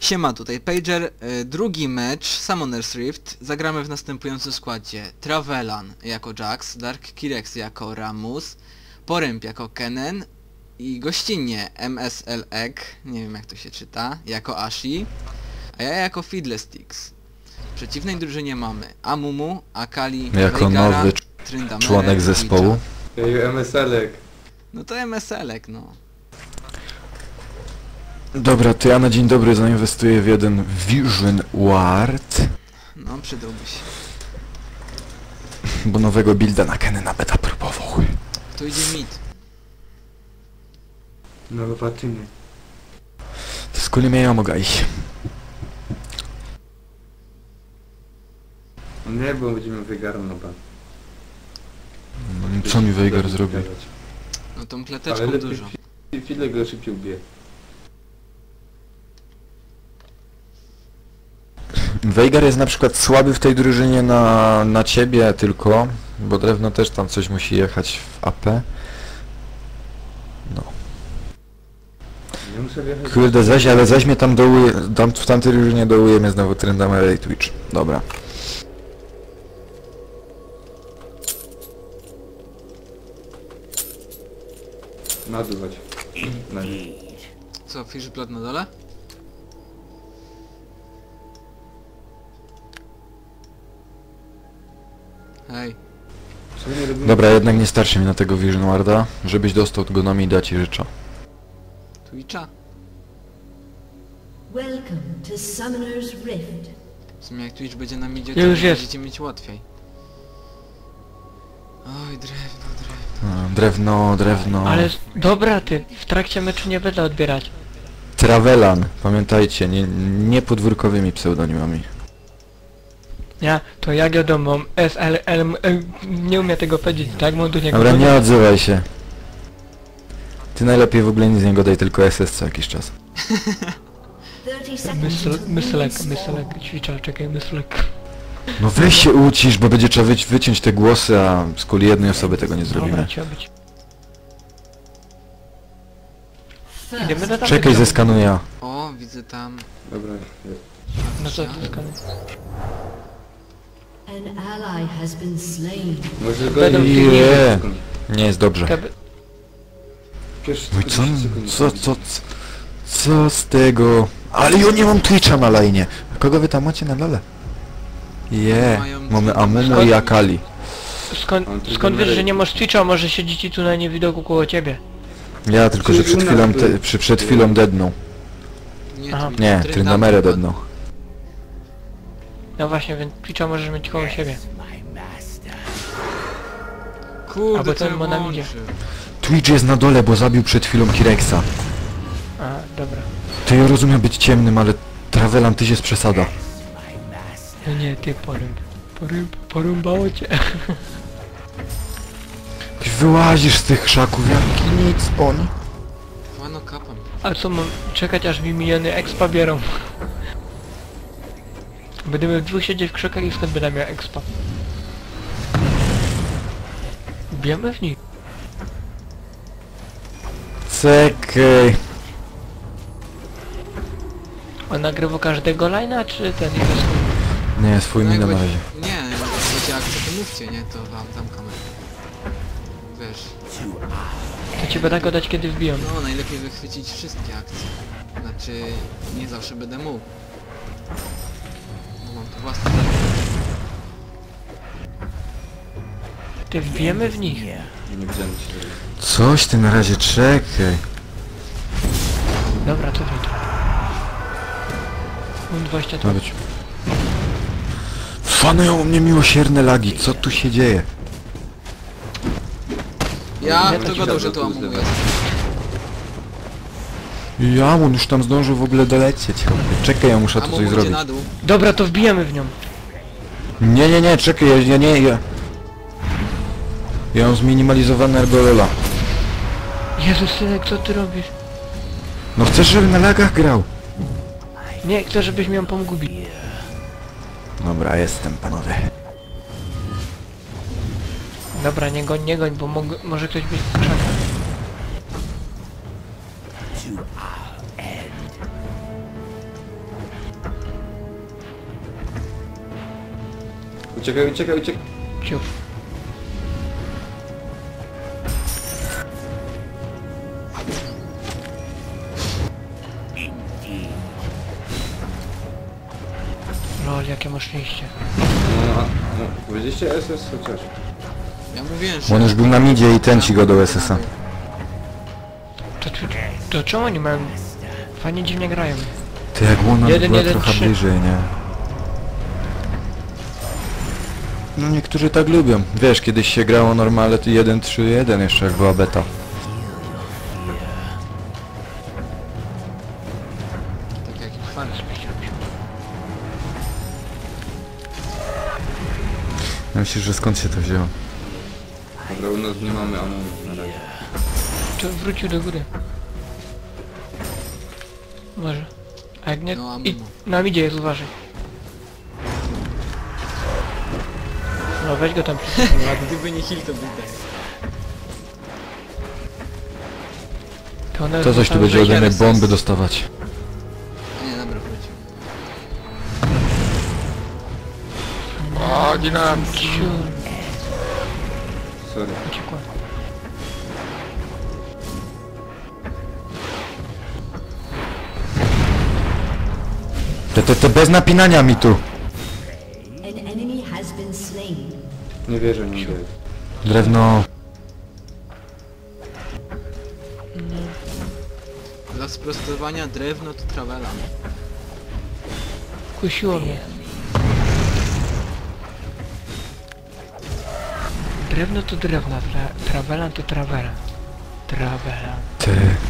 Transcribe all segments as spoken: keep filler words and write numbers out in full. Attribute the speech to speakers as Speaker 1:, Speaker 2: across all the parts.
Speaker 1: Siema, tutaj Pager, y, drugi mecz Summoner's Rift. Zagramy w następującym składzie: Travelan jako Jax, Dark Kirex jako Ramus, Poręb jako Kennen i gościnnie M S L Egg, nie wiem jak to się czyta, jako Ashi, a ja jako Fiddlesticks. W przeciwnej drużynie mamy Amumu, Akali,
Speaker 2: jako
Speaker 1: Veigara,
Speaker 2: nowy
Speaker 1: Tryndamere,
Speaker 2: członek zespołu.
Speaker 3: Ej, M S L-ek.
Speaker 1: No to M S L Egg, no.
Speaker 2: Dobra, to ja na dzień dobry zainwestuję w jeden Vision Ward,
Speaker 1: No, przydałby się.
Speaker 2: bo nowego builda na Kennena beta próbował.
Speaker 1: To idzie mid.
Speaker 3: No zobaczymy.
Speaker 2: To z kuli mnie mogę iść.
Speaker 3: Nie, bo będziemy wygarą na ban.
Speaker 2: No, co mi Veigar zrobi?
Speaker 1: No tą
Speaker 3: Ale
Speaker 1: kleteczką
Speaker 3: lepiej
Speaker 1: dużo.
Speaker 3: fi- chwilę go szybciej ubije.
Speaker 2: Veigar jest na przykład słaby w tej drużynie na, na ciebie tylko, bo drewno też tam coś musi jechać w A P. No.
Speaker 3: Nie muszę wjechać.
Speaker 2: Kurde, zaś, ale zaś mnie tam dołuje, tam, w tamtej drużynie dołuje mnie znowu Tryndamere i Twitch. Dobra.
Speaker 3: Naduwać. Na nie.
Speaker 1: Co, Fishblood na dole? Hej.
Speaker 3: Co nie robimy?
Speaker 2: Dobra, jednak nie starczy mi na tego Vision Warda, żebyś dostał go na mi dać i życzę.
Speaker 1: Twitcha?
Speaker 4: Welcome to Summoner's Rift.
Speaker 1: W sumie jak Twitch będzie na midzie,
Speaker 5: Ja
Speaker 1: to
Speaker 5: już jest.
Speaker 1: będziecie mieć łatwiej. Oj, drewno, drewno.
Speaker 2: A, drewno, drewno...
Speaker 5: Ale s- dobra ty, w trakcie meczu nie będę odbierać.
Speaker 2: Travelan, pamiętajcie, nie, nie podwórkowymi pseudonimami.
Speaker 5: Ja, to ja wiadomo, S L L, M, e, nie umiem tego powiedzieć, tak? Mam do niego
Speaker 2: Dobra, nie
Speaker 5: powiedzieć.
Speaker 2: odzywaj się. Ty najlepiej w ogóle nic z niego daj, tylko S S co jakiś czas.
Speaker 4: thirty seconds
Speaker 5: Mysl,
Speaker 4: until
Speaker 5: myslek,
Speaker 4: ring
Speaker 5: myslek,
Speaker 4: spawn.
Speaker 5: ćwicza, czekaj, myslek.
Speaker 2: No weź się ucisz, bo będzie trzeba wyci wyciąć te głosy, a z kuli jednej osoby tego nie
Speaker 5: Dobra,
Speaker 2: zrobimy.
Speaker 5: trzeba być.
Speaker 4: First,
Speaker 5: Idziemy na tamten
Speaker 2: Czekaj,
Speaker 5: dom.
Speaker 2: zeskanuję.
Speaker 1: O, widzę tam...
Speaker 3: Dobra, jest.
Speaker 5: No co ty skany?
Speaker 4: an ally has been slain.
Speaker 3: Może go
Speaker 5: Będą
Speaker 3: i-
Speaker 2: Je. Nie jest dobrze.
Speaker 5: Keby-
Speaker 3: Przecież
Speaker 2: No i co,
Speaker 3: dziesięć sekund
Speaker 2: co,
Speaker 3: będzie.
Speaker 2: co, co, co z tego? Ale ja nie mam Twitcha na lajnie. Kogo wy tam macie na dole? Je,
Speaker 1: Mają
Speaker 2: mamy
Speaker 1: dwie
Speaker 2: Amumu
Speaker 1: numery.
Speaker 2: i Akali.
Speaker 5: Skąd,
Speaker 3: On tu
Speaker 5: skąd wiesz,
Speaker 3: numery-
Speaker 5: że nie masz Twitcha, może siedzi ci tu na niewidoku koło ciebie?
Speaker 2: Ja tylko, że przed chwilą, te, przy, przed chwilą dednął.
Speaker 1: Nie,
Speaker 5: Aha.
Speaker 1: Twitch,
Speaker 2: Nie, Tryndamere
Speaker 1: padł.
Speaker 2: dednął.
Speaker 5: No właśnie, więc Twitcha możesz mieć koło siebie.
Speaker 1: Kurde,
Speaker 5: Albo
Speaker 1: co
Speaker 5: ten
Speaker 1: ja
Speaker 5: ma na
Speaker 1: włączył?
Speaker 5: midzie.
Speaker 2: Twitch jest na dole, bo zabił przed chwilą Kirexa.
Speaker 5: A, dobra.
Speaker 2: To ja rozumiem być ciemnym, ale Travelan tyś jest przesada.
Speaker 5: No nie, ty porąb. Porąb, porąbało cię.
Speaker 2: Wyłazisz z tych krzaków jak nic oni.
Speaker 1: Wano kapam.
Speaker 5: A co mam czekać aż mi miliony expa biorą? Będziemy w dwóch siedzieć w krzakach i skąd będę miał expa? Bijemy w nich.
Speaker 2: Czekaj.
Speaker 5: On nagrywa każdego line'a, czy ten jest swój?
Speaker 2: Nie, swój
Speaker 1: No
Speaker 2: mi
Speaker 1: jak
Speaker 2: na
Speaker 1: będzie-
Speaker 2: razie.
Speaker 1: Nie, jak będzie akcja, to mówcie, nie? To wam tam kamerę. Wiesz,
Speaker 5: To ci będę go dać kiedy wbiją.
Speaker 1: no najlepiej wychwycić wszystkie akcje. Znaczy, nie zawsze będę mógł. Bo mam tu własne...
Speaker 5: Ty wbijemy w nich.
Speaker 3: Nie widziałem cię.
Speaker 2: Coś ty na razie czekaj.
Speaker 5: Dobra, to wyjdzie. Mam dwadzieścia
Speaker 2: Ma
Speaker 5: tu.
Speaker 2: być. Fanują u mnie miłosierne lagi, co tu się dzieje?
Speaker 1: Ja,
Speaker 5: Nie,
Speaker 1: kto
Speaker 5: to
Speaker 1: gadał,
Speaker 3: ci
Speaker 1: że to
Speaker 3: dadzą,
Speaker 1: Amumu
Speaker 3: to
Speaker 1: jest?
Speaker 2: Ja, on już tam zdążył w ogóle dolecieć. Czekaj, ja muszę tu
Speaker 1: Amumu
Speaker 2: coś
Speaker 1: idzie
Speaker 2: zrobić.
Speaker 1: na dół.
Speaker 5: Dobra, to wbijemy w nią.
Speaker 2: Nie, nie, nie, czekaj, ja, ja nie, ja... Ja mam zminimalizowane Ergolola.
Speaker 5: Jezus, synek, co ty robisz?
Speaker 2: No chcesz, żeby na lagach grał?
Speaker 5: Nie, chcę, żebyś mi ją pomógł bić.
Speaker 2: Dobra, jestem, panowie.
Speaker 5: Dobra, nie goń, nie goń, bo mog- może ktoś być w krzakach.
Speaker 3: Uciekaj, uciekaj, uciekaj.
Speaker 5: Ciuf. Lol, jakie masz szczęście.
Speaker 3: No, no, powiedzieliście S S chociaż.
Speaker 1: Ja mówiłem,
Speaker 2: Bo
Speaker 1: że...
Speaker 2: on już był na midzie i ten ci go do S S a.
Speaker 5: To, to, to czemu oni mają... Fajnie dziwnie grają.
Speaker 2: Ty jak Łona
Speaker 5: Jeden,
Speaker 2: była
Speaker 5: jeden,
Speaker 2: trochę
Speaker 5: trzy.
Speaker 2: bliżej, nie? No niektórzy tak lubią. Wiesz, kiedyś się grało normalnie to jeden trzy jeden jeszcze jak była beta.
Speaker 1: Tak jak i fart.
Speaker 2: Ja myślę, że skąd się to wzięło?
Speaker 3: Dobra, u nas nie mamy ammo na razie.
Speaker 5: To wrócił do góry. Może. A jak nie...
Speaker 1: No, a
Speaker 5: I
Speaker 1: mimo.
Speaker 5: na midzie jest, uważaj. No weź go tam przy...
Speaker 1: Gdyby nie heal, to by tak.
Speaker 5: To, one
Speaker 2: To coś tu
Speaker 5: zostały-
Speaker 2: będzie ode mnie
Speaker 1: R S S.
Speaker 2: bomby dostawać.
Speaker 1: A nie, dobra, wrócił.
Speaker 5: O, dynam! Ciur.
Speaker 3: Sorry.
Speaker 5: Uciekła.
Speaker 2: Te, te, te bez napinania mi tu.
Speaker 4: An enemy has been slain.
Speaker 3: Nie wierzę, nie wierzę.
Speaker 2: Drewno.
Speaker 1: Dla sprostowania drewno to trawela.
Speaker 5: Kusiło mnie. Drewno to drewno, tra trawela to trawela. Trawela.
Speaker 2: Ty.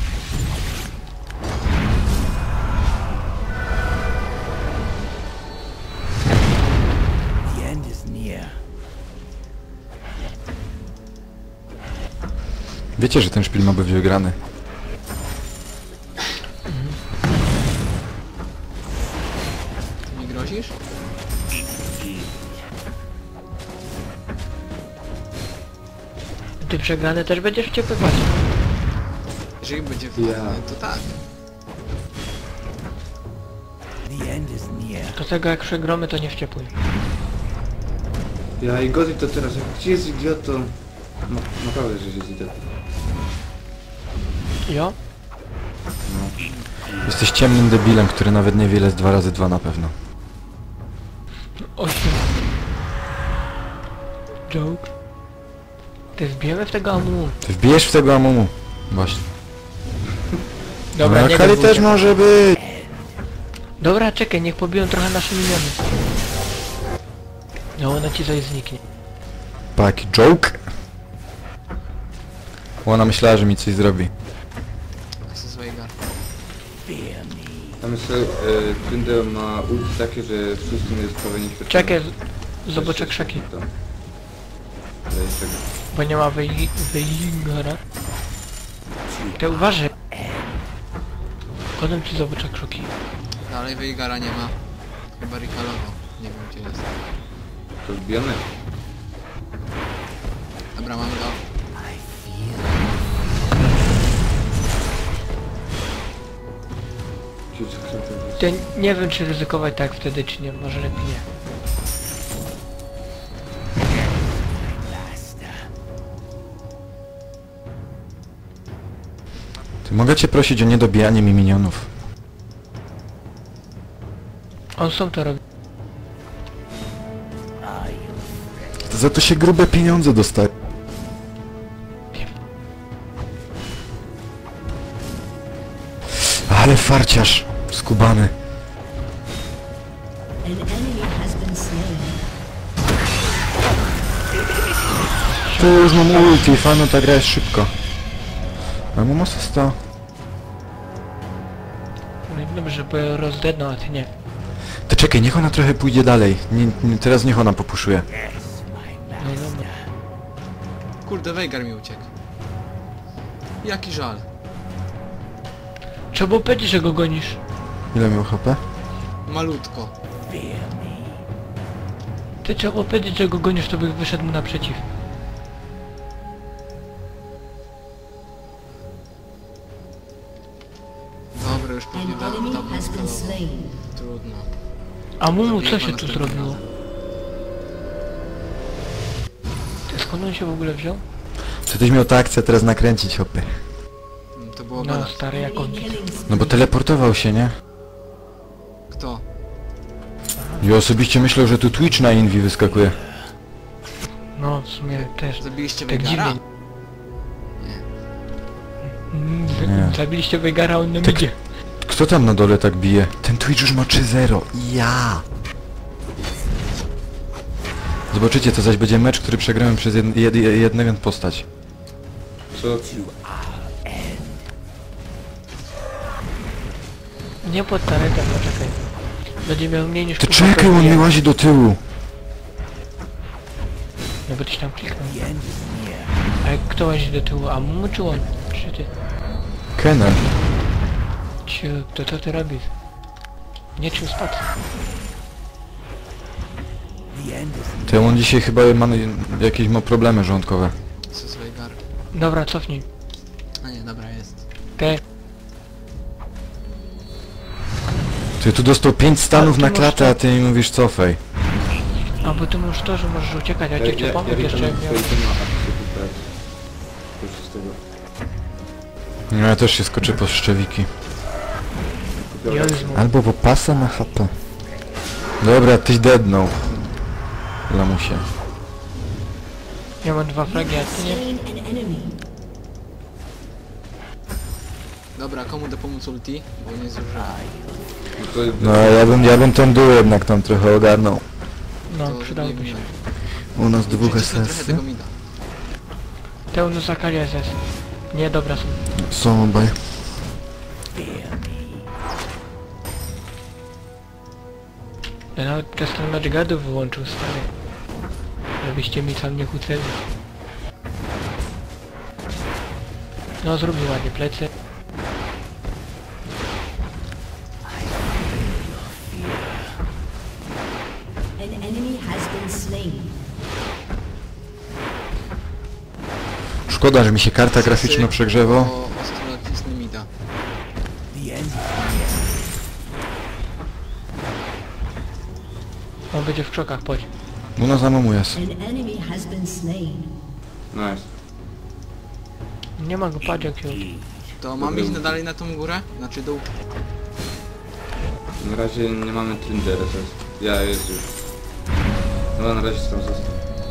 Speaker 2: Wiecie, że ten szpil ma być wygrany.
Speaker 1: Ty mi grozisz?
Speaker 5: Ty przegrany też będziesz wciepywać.
Speaker 1: Jeżeli będzie wygrany,
Speaker 3: Ja.
Speaker 1: to tak.
Speaker 5: Do tego jak przegromy to nie wściepuj.
Speaker 3: Ja i Gozi to teraz, jak gdzie jest idiotą? No, naprawdę, że jest idiotą.
Speaker 5: Jo?
Speaker 2: Jesteś ciemnym debilem, który nawet nie wie ile jest dwa razy dwa na pewno.
Speaker 5: Osiem. Joke. Ty wbijemy w tego amu.
Speaker 2: Ty wbijesz w tego amumu. Właśnie.
Speaker 5: Dobra,
Speaker 2: no,
Speaker 5: nie
Speaker 2: Kali
Speaker 5: gadaj.
Speaker 2: też może być.
Speaker 5: Dobra, czekaj, niech pobiją trochę nasze miniony. No ona ci zaś zniknie.
Speaker 2: Taki joke. Ona myślała, że mi coś zrobi.
Speaker 1: To jest złej gar.
Speaker 3: Tam jest, e, Tryndale ma ulti takie, że wszyscy jest prawie nieśmiertelny.
Speaker 5: Czekaj, z- zobaczę krzaki.
Speaker 3: Tam. To jest tego.
Speaker 5: Bo nie ma wyj- wyjgora. Ty uważaj. Potem ci zobaczę krzuki.
Speaker 1: Dalej Veigara nie ma. Chyba recallował. Nie wiem gdzie jest.
Speaker 3: To wbijane?
Speaker 1: Dobra, mam go.
Speaker 3: Gdzie jest kręcę?
Speaker 5: Ty nie wiem czy ryzykować tak wtedy czy nie, może lepiej nie.
Speaker 2: Ty mogę cię prosić o niedobijanie mi minionów.
Speaker 5: On sam to robi.
Speaker 2: To za to się grube pieniądze dostaje. Ale farciarz. Skubany.
Speaker 4: An enemy has been slain.
Speaker 2: Tu już mam ulti, fanu ta gra jest szybko. A mam asysta.
Speaker 5: No i dobrze, bo rozdedną, a ty nie.
Speaker 2: To czekaj, niech ona trochę pójdzie dalej. Nie, nie, teraz niech ona popuszuje.
Speaker 5: No i dobra.
Speaker 1: Kurde, Veigar mi uciekł. Jaki żal.
Speaker 5: Trzeba było powiedzieć, że go gonisz.
Speaker 2: Ile miał H P?
Speaker 1: Malutko.
Speaker 5: Ty trzeba było powiedzieć, że go gonisz, to by wyszedł mu naprzeciw.
Speaker 1: Dobra, już pewnie
Speaker 4: An
Speaker 1: da,
Speaker 4: enemy
Speaker 1: dawno
Speaker 4: has been
Speaker 1: skalował.
Speaker 4: slain.
Speaker 1: Trudno.
Speaker 5: A Mumu co
Speaker 1: Zabiję
Speaker 5: się
Speaker 1: go
Speaker 5: tu
Speaker 1: następnym
Speaker 5: zrobiło?
Speaker 1: razem.
Speaker 5: Skąd on się w ogóle wziął?
Speaker 2: Czy tyś miał tę akcję teraz nakręcić, hopy?
Speaker 1: Mm, To było
Speaker 5: No
Speaker 1: gadać.
Speaker 5: stary, jak on...
Speaker 4: Killing
Speaker 2: No bo teleportował się, nie?
Speaker 1: Kto?
Speaker 2: Ja osobiście myślę, że tu Twitch na Invi wyskakuje.
Speaker 5: No w sumie też.
Speaker 1: Zabiliście
Speaker 5: Tak
Speaker 1: Veigara?
Speaker 5: dziwnie. Mm, z-
Speaker 2: Nie.
Speaker 5: Zabiliście Veigara, on nam
Speaker 2: Tak.
Speaker 5: idzie.
Speaker 2: Kto tam na dole tak bije? Ten Twitch już ma trzy zero. Ja! Zobaczycie, to zaś będzie mecz, który przegramy przez jed, jed, jedną postać.
Speaker 3: Co?
Speaker 5: Nie pod taretem, no czekaj. Będzie miał mniej niż
Speaker 2: Ty
Speaker 5: pół
Speaker 2: czekaj,
Speaker 5: HP.
Speaker 2: on mi łazi do tyłu.
Speaker 5: No bo tyś tam kliknął. A jak kto łazi do tyłu? A mu czy on? Czy ty?
Speaker 2: Kenan.
Speaker 5: Ciu, to co ty robisz? Nie czuł spadł.
Speaker 2: To on dzisiaj chyba ma jakieś ma problemy żołądkowe.
Speaker 1: Co jest Veigar?
Speaker 5: Dobra, cofnij.
Speaker 1: A nie, dobra, jest.
Speaker 5: Te.
Speaker 2: Ty tu dostał pięć stanów
Speaker 5: Ale ty
Speaker 2: na
Speaker 5: masz
Speaker 2: klatę,
Speaker 5: to-
Speaker 2: a ty mi mówisz cofaj.
Speaker 5: A bo ty możesz to, że możesz uciekać, a ja ci chcę pomóc jeszcze jak miał...
Speaker 3: ma akcję tutaj. To już z tego.
Speaker 2: No ja też się skoczę po szczewiki.
Speaker 5: Jezu.
Speaker 2: Albo po pasa na H P. Dobra, tyś deadnął. Lamusie.
Speaker 5: Ja mam dwa fragi, a ty nie?
Speaker 4: slain an enemy.
Speaker 1: Dobra, komu da pomóc ulti? Bo nie zużyłem.
Speaker 3: No to jest...
Speaker 2: No ja bym, ja bym ten dół jednak tam trochę ogarnął.
Speaker 5: No,
Speaker 1: To
Speaker 5: przydałoby
Speaker 1: nie
Speaker 5: się.
Speaker 1: wiem.
Speaker 2: U nas dwóch
Speaker 1: Przycisnę trochę
Speaker 2: S S.
Speaker 1: tego mida.
Speaker 5: Teunu zakali S S. Nie, dobra są.
Speaker 2: Są obaj.
Speaker 5: Ja nawet przez ten mecz gadów wyłączył, stary. Żebyście mi tam nie kłócili. No zrób mi ładnie plecy.
Speaker 4: An enemy has been slain.
Speaker 2: Szkoda, że mi się karta graficzna
Speaker 1: Sosy,
Speaker 2: przegrzewa.
Speaker 1: bo ostro nacisnę mida.
Speaker 5: On będzie w krzokach, chodź.
Speaker 2: U nas za jest.
Speaker 4: An enemy has been slain.
Speaker 3: Nice.
Speaker 5: Nie ma go, patrz jak się...
Speaker 1: To mam iść na dalej na tą górę? Znaczy dół.
Speaker 3: Na razie nie mamy Tinder S S. Ja jest już. No na razie tam został.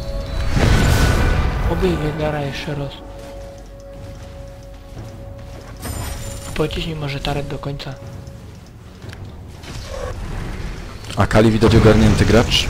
Speaker 5: Obij Veigara jeszcze raz. Pociśnij może taret do końca.
Speaker 2: A Kali widać ogarnięty gracz.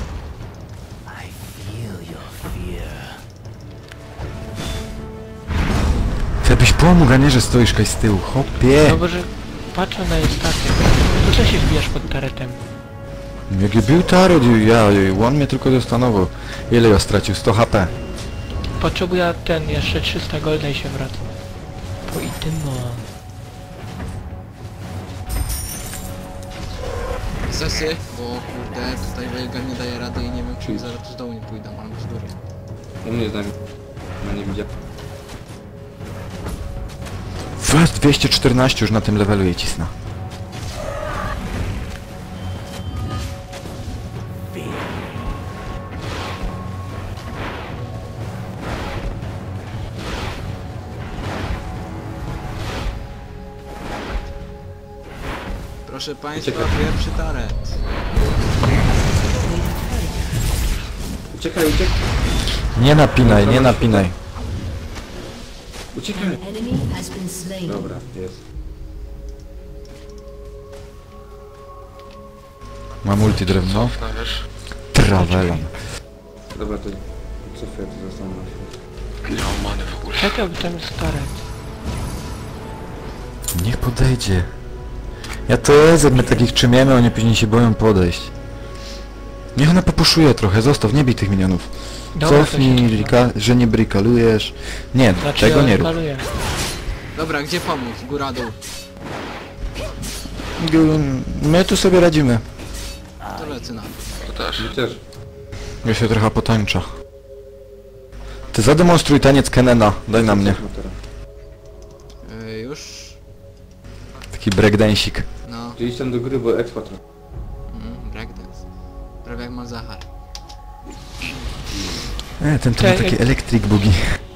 Speaker 2: Ty byś pomógł, a nie, że stoisz kaj z tyłu. Hopie!
Speaker 5: No bo że... Patrzę na jej stację. To co się wbijasz pod taretem?
Speaker 2: Jaki był taret, ja, on mnie tylko zastanowił. Ile ja stracił? sto H P.
Speaker 5: Potrzebuję ten, jeszcze trzysta golda i się wraca. Po i tym no.
Speaker 1: Sesy, bo kurde, tutaj Veigar nie daje rady i nie wiem czy zaraz tu z dołu nie pójdą, albo z góry.
Speaker 3: U mnie znam. No nie widziałem.
Speaker 2: Fast dwieście czternaście już na tym levelu jej cisna.
Speaker 1: Proszę państwa,
Speaker 3: Uciekaj.
Speaker 1: pierwszy taret.
Speaker 3: Uciekaj, uciekaj.
Speaker 2: Nie napinaj, nie napinaj.
Speaker 3: Uciekaj.
Speaker 4: An enemy has been slain.
Speaker 3: Dobra, jest.
Speaker 2: Mam ulti drewno. Travelan.
Speaker 3: Dobra, to co chwilę to zostanę na chwilę.
Speaker 5: Czekaj, bo tam jest taret.
Speaker 2: Niech podejdzie. Ja to jest, my takich trzymiemy, oni później się boją podejść. Niech ona popuszuje trochę, zostaw, nie bij tych minionów.
Speaker 5: Dobra, to się
Speaker 2: Cofnij,
Speaker 5: cofnę.
Speaker 2: rika, że nie brikalujesz. Nie,
Speaker 5: Znaczy
Speaker 2: tego
Speaker 5: ja
Speaker 2: nie rób.
Speaker 5: skaluję.
Speaker 1: Dobra, gdzie pomóc? Góra, dół.
Speaker 2: Gu- My tu sobie radzimy.
Speaker 1: To lecę na to.
Speaker 3: My też.
Speaker 2: Ja się trochę potańcza. Ty zademonstruj taniec Kenena, daj na mnie.
Speaker 3: No teraz.
Speaker 1: Yy, już?
Speaker 2: Taki breakdancik.
Speaker 1: No,
Speaker 3: Gdzie iść tam do gry, bo expa trochę.
Speaker 1: mm, breakdance. Prawie jak Malzahar.
Speaker 2: E, ten to ma
Speaker 5: Cześć.
Speaker 2: takie electric bugi.